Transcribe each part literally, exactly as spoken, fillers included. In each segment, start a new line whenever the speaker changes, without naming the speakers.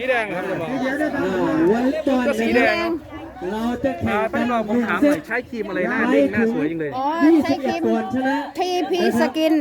แดงครับจะบอก
วันเล่บอล
ก็สีแดง
เราจะแข่ง
พี่
กัน
ลองผมถามหน่อยใช้ครีมอะไรหน้าเด้งหน้าสวยจังเลย
อ๋อ
ยี่
ใช้
สิบ
ค
เอ็
รี
ด
ม
ก่อนชนะ
ทีพีสกิน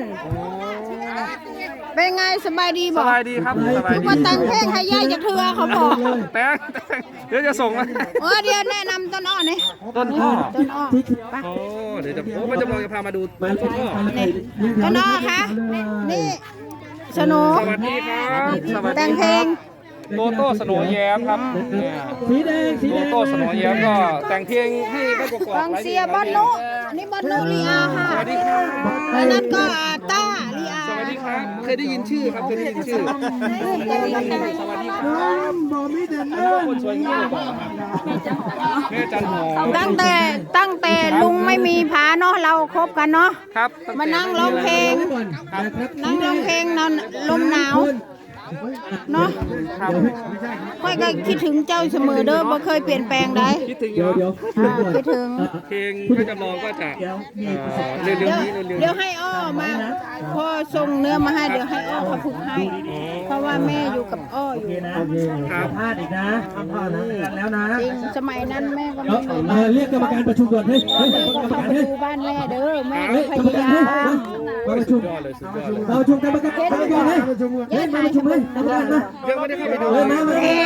เป็นไงสบายดี
ส
บอก
บายดีครับสบาย
คือ
ดี
ว่าตังเพลงให้ย่าจากเธอเขาบอก
แป้งเดี๋ยวจะส่งมา
เออเดี๋ยวแนะนำต้นอ้อนี่
ต้นอ้อ
ต้นอ้อ
ที่ที่
ไป
โอ้เดี๋ยวจะโอ้ป้าจำลองจะพามาดู
มา
ต้นอ้อ
ต้นอ้อคะนี่สโน
สวัสดีครับสวัส
แต่
ดี
งเพ
ค
ล
รั
ง
บโตโต้สโนว์แย้มครับเนี่ย
สีแดงสี
โต
แดง
โต้สโนว์แย้มก็แต่งเพลงให้แม่กอก
ฟังเสียบอลนุอันนี้บอลนุลีอาค่ะ
สวัสดีครับ
อันนั้นก็ต้าลีอา
สวัสดีครับเคยได้ยินชื่อครับเคยได้ยินชื่อสวัสดีครับ
บอกไม่เดิน
อันนี้ก็คนสวยงามเลยบอกครับแม่จันหอม
ตั้งแต่ตั้งแต่ลุงไม่มีผาเนาะเราคบกันเนาะ
ครับ
มานั่งร้องเพลง นั่งร้องเพลงนอนลมหนาวเนาะค่อยก็คิดถึงเจ้าเสมอเด้อบ่เคยเปลี่ยนแปลงได้
คิดถึงอ
เดี๋ย
ยู่
วเดี๋ยว
อ่าคิดถึง
เพลงก็จำลองก็จะเอ่อเร็ว
เดี๋ยว
ๆนี้เร็วๆ
เดี๋
นี้
ยวให้อ้อมาพอส่งเนื้อมาให้เดี๋ยวให้อ้อเขาผูกให้ เพราะว่าแม่อยู่กับอ้ออยู่
นะโอเคพลาดอีกนะพลาดนะแล้วนะ
จริงสมัยนั้นแม่ก็
เดี๋ยว
ไม่มี
เออเรียกกรรมการประชุมก่อนเฮ้ยเฮ้ย
แม่
กร
ก็
รม
เข้า
การ
ไป
เฮ้ย
ดูบ้านแม่เด้อแม่
เฮ้ย
พ
กรรม
ยา
การ
ยา
เฮ้ย
ม
มาประชุม
ยอดเลยสุดยอดเลย
เราประชุมกรรมการกรรมการเฮ้ยเฮ้ยมาประชุมเฮ้ยกรรมการมา
ยังไม่ได้เข้าไปดู
เฮ้ยมามามา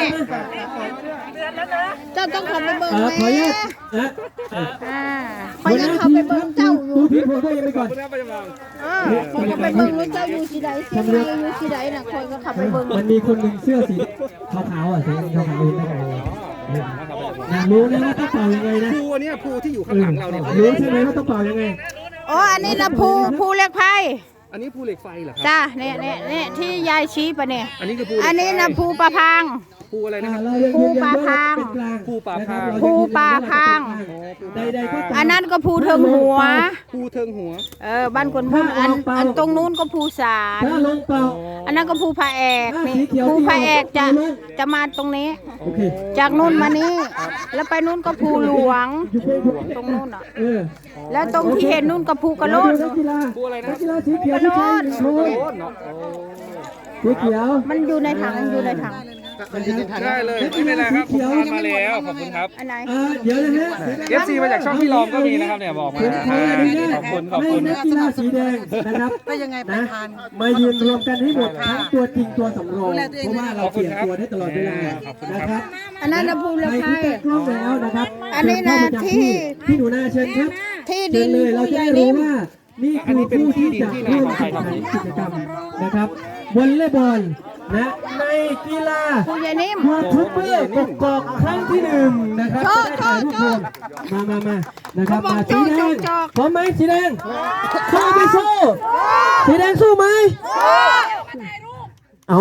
เจ้าต้องเข้าไปเบิ่ง
เออ
แม่
ขออนุญาตนะ
อ่าคอยยังเข้าไปเบิ่งเจ้าอยู่
ดูพี่โพด้วยยังไปก่อน
คุณแม่ไปจำลอง
เออคอยก็ไปเบิ่งว่าเจ้าอยู่ที่ใดเสียงใดอยู่ที่ใดน่ะคอยก็เข้าไปเบิ่ง
มันมีคนหนึ่งเสื้อสีขาวๆอ่ะสีขาวๆเองไม่ไงอยากรู้นะว่าต้องเป่ายังไงนะ
ภูอันเนี้ยภูที่อยู่ข้างหลังเราเนี่ย
รู้ใช่ไหมว่าต้องเป่ายังไง
อ๋ออันนี้นะภูภูเล็กไพ
อันนี้ภูเหล็กไฟเหรอครับ
จ้าเนี่ยเนี่ยเนี่ยที่ยายชี้ปะเนี่ย
อันนี้คือภู
อันนี้นะภูปลาพาง
ภูอะไรนะครับ
เรายังยืนยันว่าเป็นกลาง
ภูป่าพาง
ภูป่าพาง
ใดๆก็ตาม
อันนั้นก็ภูเทิงหัว
ภูเทิงหัว
เออบ้านคนพูดอันอันตรงนู้นก็ภูสาร
ถ้าลงเป่า
อันนั้นก็ภูพระแอกนี่ภูพระแอกจะจะมาตรงนี้
โอเค
จากนู้นมานี้ แล้วไปนู้นก็ภูหลวง
อยู่เป็น
ตรงนู้นอ่ะ
เออ
แล้วตรงที่เห็นนู้นก็ภูกระโลด
นักกีฬา
ภูอะไรนะ
นักกีฬาสีเขียวที่ใช้โชว์
โอ้เนาะโอ้
สีเขียว
มันอยู่ในถังอยู่ในถัง
ได้เลยไม่เป็นไรครับผมทานมาแล้วขอบคุณครับ
อันไหน
อ่าเดี๋ยวนะฮะ
เอฟซีมาจากช่องพี่ลอมก็มีนะครับเนี่ยบอกมา
ผมขออนุญา
ข
ต
อบคุณขอบ
ให้
คุณ
นักกีฬาสีแดงนะครับก็ยังไงไปทานมายืนรวมกันให้หมดทั้งตัวจริงตัวสำรองเพราะว่าเราเปลี่ยนตัวได้ตลอดเวลานะครับ
อันนั้นนะภู
ใค
เล็
ร
กไพ
ที่ตั้งกล้องแล้วนะครับ
อันนี้นะ
เชิญเข้ามาจาก
ที่
พี่หนูนาเชิญครับ
ที่
เชิ
ดิ
ญ
น
เลยเรา
ผู้
จะ
ใหญ่
ได้รู้
นิ่ม
ว่านี่คือผู้ที่จะร่วมแข่งขันกิจกรรมนะครับวอลเลย์บอลนะในกีฬา
ผู้ใหญ่นิ่ม
ยูทูบเบอร์กกอกครั้งที่หนึ่งนะครับ
โจ๊ะ
จะได้ถ่ายรูปรวมมามามานะครับ
เขาบอก
มาสีแด
โจ๊ะ
ง
โจ๊ะ
พร้อมไหมสีแดงสู้ไม่สู้สีแดงสู้ไหมเอา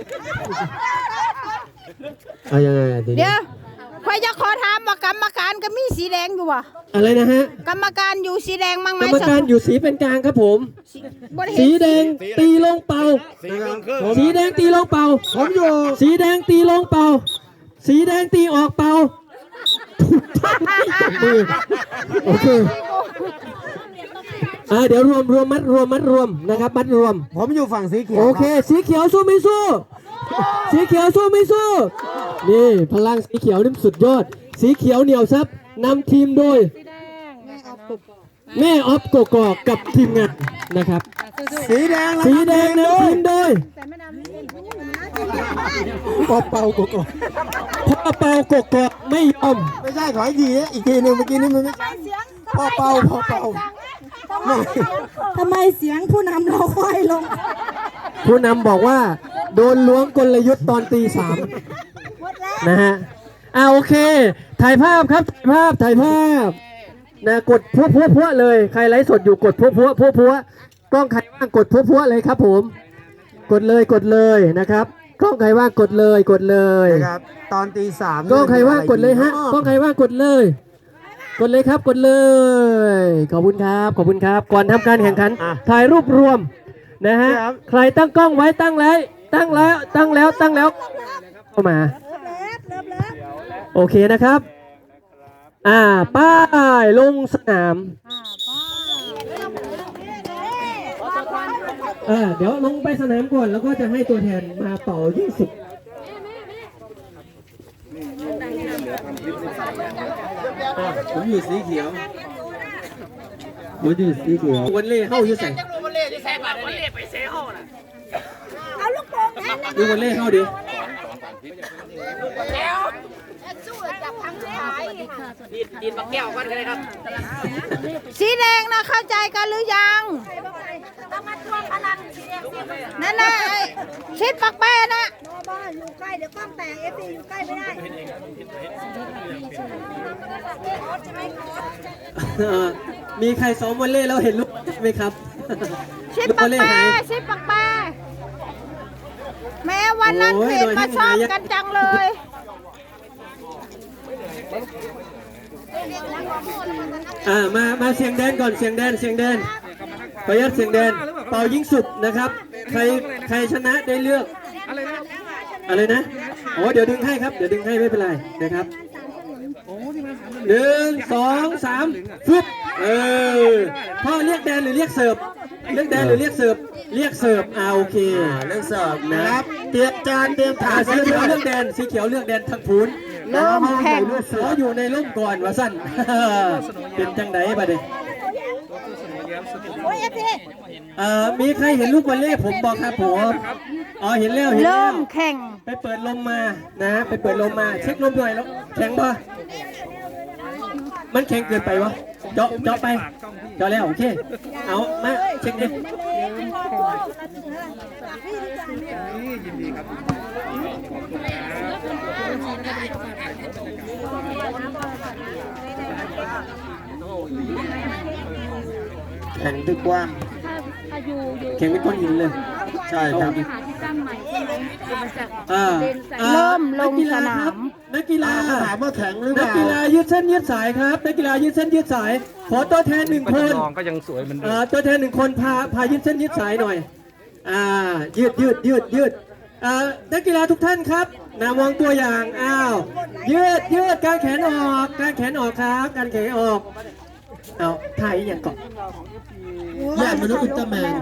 เอายังไงอ่ะทีนี้
เดี๋ยวใครจะขอถามว่ากรรมการก็มีสีแดงอยู่วะ
อะไรนะฮะ
กรรมการอยู่สีแดงมั้งไหม
กรรมการอยู่สีเป็นกลางครับผม
บ่ได้เห็น
สีแดงตีลงเป่าสีแดงตีลงเป่าผมอยู่สีแดงตีลงเป่า สีแดงตีออกเป่าถูกต้องจับมือโอเคอ่าเดี๋ยวรวมรวมมัดรวมมัดรวมนะครับมัดรวม
ผมอยู่ฝั่งสีเขียว
โอเค สีเขียวสู้ไม่สู้ สีเขียวสู้ไม่สู้ นี่พลังสีเขียวนี่สุดยอด สีเขียวเหนียวซับนำทีมโดย แม่ออฟโกกอกกับทีมงานนะครับ
สีแดง
สีแดงนำทีมโดย
ปอเป่าโกโก้
พ่อเปากกอกไม่ยอม
ไม่ใช่ขออีกทีนะอีกทีหนึ่งเมื่อกี้นี่มันไม่ใช่ปอเป่าปอเป่า
ทำไมเสียงผู้นำเราค่อยลง
ผู้นำบอกว่า โดนล้วงกลยุทธ์ตอนตีสามนะฮะอ่าโอเค ถ่ายภาพครับ ถ่ายภาพ ถ่ายภาพนะกดพัวพัวพัวเลย ใครไลฟ์สดอยู่กดพัวพัวพัวพัวกล้องใครว่างกดพัวพัวเลยครับผม กดเลยกดเลยนะครับ กล้องใครว่างกดเลยกดเลย
นะครับตอนตีสาม
กล้องใครว่างกดเลยฮะกล้องใครว่างกดเลย กดเลยครับกดเลย ขอบคุณครับขอบคุณครับ ก่อนทำการแข่งขันถ่ายรูปรวมนะฮะใครตั้งกล้องไว้ตั้งแล้วตั้งแล้วตั้งแล้วตั้งแล้วเข้ามาโอเคนะครับ อ่าป้ายลงสนามเออเดี๋ยวลงไปสนามก่อนแล้วก็จะให้ตัวแทนมาเป่ายิ่งสุดผมอยู่สีเขียวผมอยู่สีเขียววันเล่เข้าอยู่ใส่
เอาลูกโป่งแทนนะ
ดูวันเล่เข้าดิ
สีแดงนะเข้าใจกันหรือยังนั่นน่ะไอ้ชิดปักแป้นะ
บ้านอยู่ใกล้เดี๋ยวกล้องแตกเอฟซีอยู่ใกล้ไม่ได้
เออมีใครซ้อมวันเล่แล้วเห็นลูกไหมครับ
ชิด
ลูก
ปั
วั
ก
นเล่
แป้
หาย
ชิดปักแป้แม้วันนั้น
โอ้ย
เห็นมาชอบ
โดยที่
กันจังเลย
อ่ามามาเสียงแดนก่อนเสียงแดนเสียงแดนขออนุญาตเสียงแดนเป่ายิงสุดนะครับใครใครชนะได้เลือก
อะไรนะ
อะไรนะโอ้เดี๋ยวดึงให้ครับเดี๋ยวดึงให้ไม่เป็นไรนะครับ
โอ้ที่มันสาม
หนึ่งสองสามฟึบเออพ่อเรียกแดนหรือเรียกเสิร์ฟเรียกแดนหรือเรียกเสิร์ฟเรียกเสิร์ฟอ่าโอเค
เรื่องเสิร์ฟนะครับ เตรียมจานเตรียมถา
อ่า
ด
สีเขียวเลือกแดนสีเขียวเลือกแดนทางพูน
เริ่มแข่ง
ขออยู่ในร่มก่อนว่าสั้น เป็นจังไดบัดนี้
โอ้ยเอฟซี
เอ่อมีใครเห็นลูกวอลเล่ผมบอกครับผมอ๋อเห็นแล้วเห็นแล้
เริ่
ว
มแข่ง
ไปเปิดลมมานะไปเปิดลมมาเช็คลมหน่อยแล้วแข็งปะมันแข็งเกินไปวะเจาะเจาะไปเจาะแล้วโอเคเอามาเช็คดิ
นี่ยินดีครับ
แข่งด้วยกว้าง
แข็งเป็นก้อนหินเลย
ใช่ครับ
อ่าอ่า
เริ่มลง
นักกีฬ
สนาม
ครับนักกีฬา
ถามว่าแข็งหรือเป
นัก
ล่า
กีฬายืดเส้นยืดสายครับนักกีฬายืดเส้นยืดสาย ขอตัวแทนหนึ่ง
ก็
ค
จะ
น
ลองก็ยังสวยเหมือนเดิ
เอ่
ม
อตัวแทนหนึ่งคนพาพายืดเส้นยืดสายหน่อยอ่ายืดยืดยืดยืดอ่านักกีฬาทุกท่านครับนามองตัวอย่างอ้าวยืดยืดการแขนออกการแขนออกครับการแขนออกเอาถ่ายอย่างก่อน
ญาติมนุษย์อุลตร้าแมน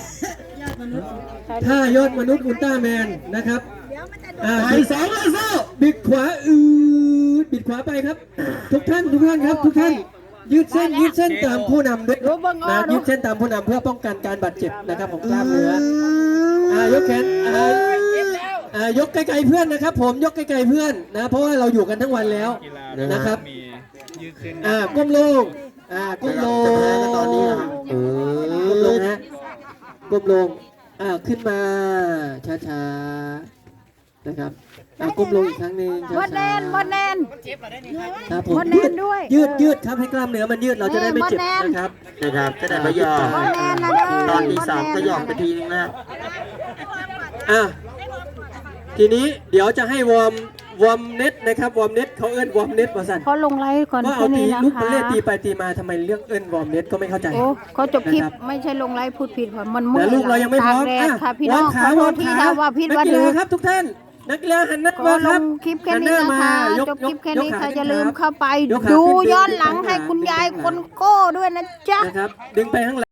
ท่ายอดมนุษย์อุลตร้าแมนนะครับอ่า
ไป
บิด
สองเลยเซ้า
บิดขวาอืดบิดขวาไปครับ ทุกท่านทุกท่านครับ ทุกท่าน ยืดเส้นยืดเส้นตามผู้นำด้วย
รู้เบิ่งอ้อ
นะ
ดู
ยืดเส้นตามผู้นำเพื่อป้องกันการบาดเจ็บนะครับของกล้ามเนื้ออ่ายกแขนอ่าอ่ายกไกลๆเพื่อนนะครับ ผมยกไกลๆเพื่อนนะเพราะว่าเราอยู่กันทั้งวันแล้วนะครับ
มียืดเส้น
อ่าก้มลงอ่าก้มลง
จะแพ้กันตอนนี้นะครับเอ
ก้มลง
อ
ฮะก้มลงอ่าขึ้นมาช้าๆนะครับอ่าก้มลงอีกครั้งหนึ่งช้าๆ
บดแนนบดแนน
ครับผม
บดแน
ยื
น
ด
ด้วย
ยืดยืดครับให้กล้ามเนื้อมันยืดเราจะได้ไม่เจ็บ
บดแนน
นะครับ
นะครับจะได้ประโยชน์
บดแนนนะเด้อ
ตอนที่
บดแนน
สามก็หยอกไปทีนึงนะ
อ่ะทีนี้เดี๋ยวจะให้วอร์มวอร์มเน็ตนะครับวอร์มเน็ตเขาเอิ้นวอร์มเน็ตมาสั่น
เขาลงไลฟ์ก่อน
ว่า
แค่
เอาตี
นี้นะ
ลูกบอล
คะ
เล่ตีไปตีมาทำไมเรื่องเอิ้นวอร์มเน็ตก็ไม่เข้าใจ
โอ้เขาจบคลิป
นะครับ
ไม่ใช่ลงไลฟ์พูดผิดค่ะมันเมื่
แต่
อย
ลูกเรายังไม่พร้อม
ตากแดด
อ่ะ
ค่ะพี่
ว
น้
อ
อ
ร์
ง
ม
ข
ขา
อโท
วอ
ษ
ร์ม
ที่
ขา
ถ้าว่าผิด
นัก
วัน
กี
ห
ฬา
นึ่ง
ครับทุกท่านนักกีฬาหันหน้า
ก็
มา
ล
ครับ
งคลิปแค่นี้
หัหา
นะ
มา
คะ
ยก
จบคลิปแค่
ยก
นี้
ขา
ค่ะ
ขึ้น
อย่าลืม
ครับ
เข้าไป
ยกขา
ดู
ขึ้น
ย้อนหลัง
ดึง
ให้คุณยาย
ดึง
คนโก้ด้วยนะจ๊ะ
นะครับดึงไปข้างหลัง